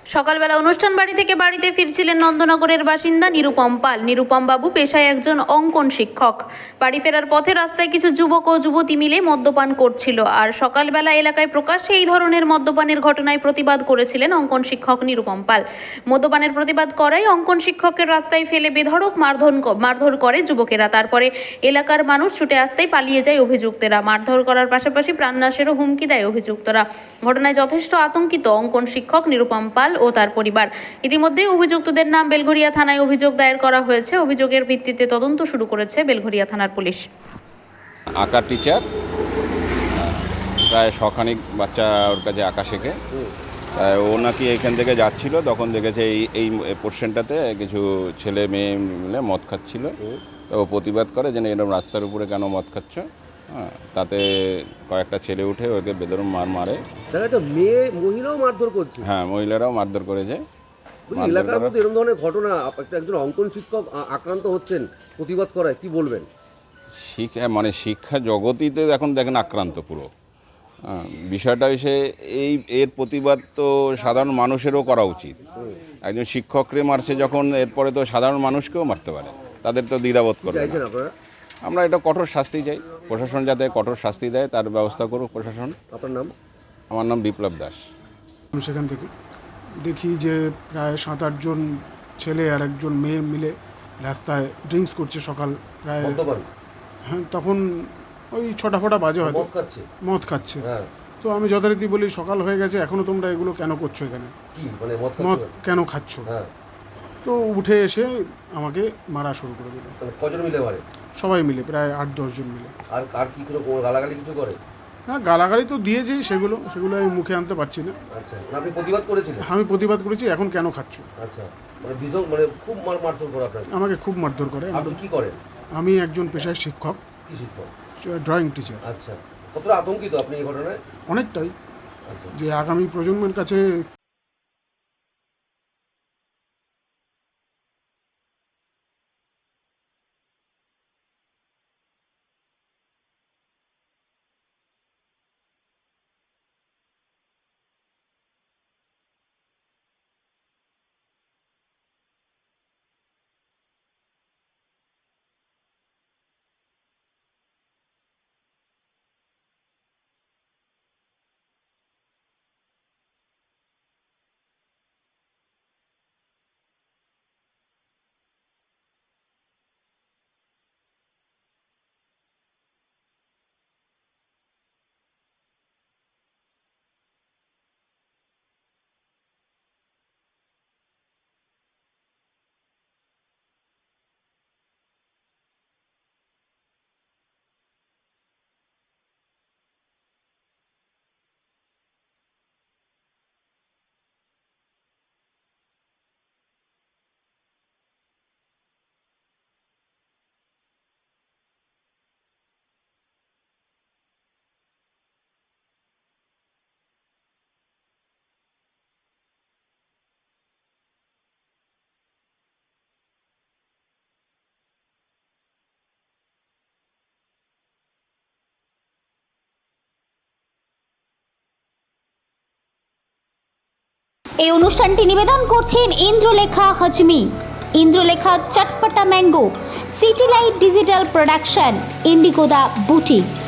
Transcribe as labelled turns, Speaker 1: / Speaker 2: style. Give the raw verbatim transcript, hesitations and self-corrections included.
Speaker 1: সকালবেলা অনুষ্ঠান বাড়ি থেকে বাড়িতে ফিরছিলেন নন্দনগরের বাসিন্দা নিরুপম পাল। নিরুপম বাবু পেশায় একজন অঙ্কন শিক্ষক। বাড়ি ফেরার পথে রাস্তায় কিছু যুবক ও যুবতী মিলে মদ্যপান করছিল, আর সকালবেলা এলাকায় প্রকাশ্যে এই ধরনের মদ্যপানের ঘটনায় প্রতিবাদ করেছিলেন অঙ্কন শিক্ষক নিরুপম পাল। মদ্যপানের প্রতিবাদ করায় অঙ্কন শিক্ষকের রাস্তায় ফেলে বেধড়ক মারধর মারধর করে যুবকেরা। তারপরে এলাকার মানুষ ছুটে আসতেই পালিয়ে যায় অভিযুক্তরা। মারধর করার পাশাপাশি প্রাণনাশেরও হুমকি দেয় অভিযুক্তরা। ঘটনায় যথেষ্ট আতঙ্কিত অঙ্কন শিক্ষক নিরুপম পাল ও তার পরিবার। ইতিমধ্যে অভিযুক্তদের নাম বেলঘরিয়া থানায় অভিযোগ দায়ের করা হয়েছে। অভিযোগের ভিত্তিতে তদন্ত শুরু করেছে বেলঘরিয়া থানার পুলিশ।
Speaker 2: আঁকার টিচার, প্রায় শখানিক বাচ্চা ওর কাছে আঁকা শেখে। ও নাকি এইখান থেকে যাচ্ছিল, তখন দেখেছে এই এই পোর্শনটাতে কিছু ছেলে মেয়ে মিলে মদ খাচ্ছিল। তো ও প্রতিবাদ করে যে এরকম রাস্তার উপরে কেন মদ খাচ্ছ। হ্যাঁ, তাতে কয়েকটা ছেলে উঠে ওকে বেদরম মার মারে।
Speaker 3: তো মেয়ে মহিলাও মারধর করছে।
Speaker 2: হ্যাঁ, মহিলারাও মারধর করেছে।
Speaker 3: এলাকার মধ্যে এরকম ধরনের ঘটনা, একজন অঙ্কন শিক্ষক আক্রান্ত হচ্ছেন, প্রতিবাদ করায় কি বলবেন?
Speaker 2: শিক্ষা মানে শিক্ষা জগতই তো এখন দেখেন আক্রান্ত পুরো। বিষয়টা হচ্ছে এই এর প্রতিবাদ তো সাধারণ মানুষেরও করা উচিত। একজন শিক্ষকরে মারছে যখন, এরপরে তো সাধারণ মানুষকেও মারতে পারে, তাদের তো দ্বিধাবোধ করবে না। আমরা এটা কঠোর শাস্তি চাই, প্রশাসন যাতে কঠোর শাস্তি দেয় তার ব্যবস্থা করুক প্রশাসন।
Speaker 3: আপনার নাম?
Speaker 2: আমার নাম বিপ্লব দাস।
Speaker 4: সেখান থেকে দেখি যে প্রায় সাত আটজন ছেলে আর একজন মেয়ে মিলে রাস্তায় ড্রিঙ্কস করছে সকাল প্রায়। হ্যাঁ, তখন ওই ছটা ফটা বাজে হয়তো, মদ খাচ্ছে। তো আমি যথারীতি বলি সকাল হয়ে গেছে, এখনও তোমরা এগুলো কেন করছো, এখানে মদ কেন খাচ্ছ? তো উঠে এসে আমাকে মারা শুরু করে দিল।
Speaker 3: কজন মিলে মারে?
Speaker 4: সবাই মিলে, প্রায় আট দশজন মিলে।
Speaker 3: আর আর কি করে গালাগালি কিছু করে?
Speaker 4: হ্যাঁ, গালাগালি তো দিয়েছি, সেগুলো সেগুলো আমি মুখে আনতে পারছি না।
Speaker 3: আচ্ছা, আপনি প্রতিবাদ করেছিলেন?
Speaker 4: আমি প্রতিবাদ করেছি, এখন কেন খাচ্ছ।
Speaker 3: আচ্ছা, মানে বিধক মানে খুব মারধর করে আপনাকে?
Speaker 4: আমাকে খুব মারধর করে।
Speaker 3: আপনি কি করেন?
Speaker 4: আমি একজন পেশায় শিক্ষক।
Speaker 3: কি শিক্ষক?
Speaker 4: Drawing teacher.
Speaker 3: আচ্ছা, কতটা আতঙ্কিত আপনি এই ঘটনায়?
Speaker 4: অনেকটাই।
Speaker 3: আচ্ছা,
Speaker 4: যে আগামী প্রজন্মের কাছে
Speaker 5: এই অনুষ্ঠানটি নিবেদন করছেন ইন্দ্রলেখা হজমি, ইন্দ্রলেখা চটপটা mango, city light digital production, ইন্ডিগোদা বুটিক।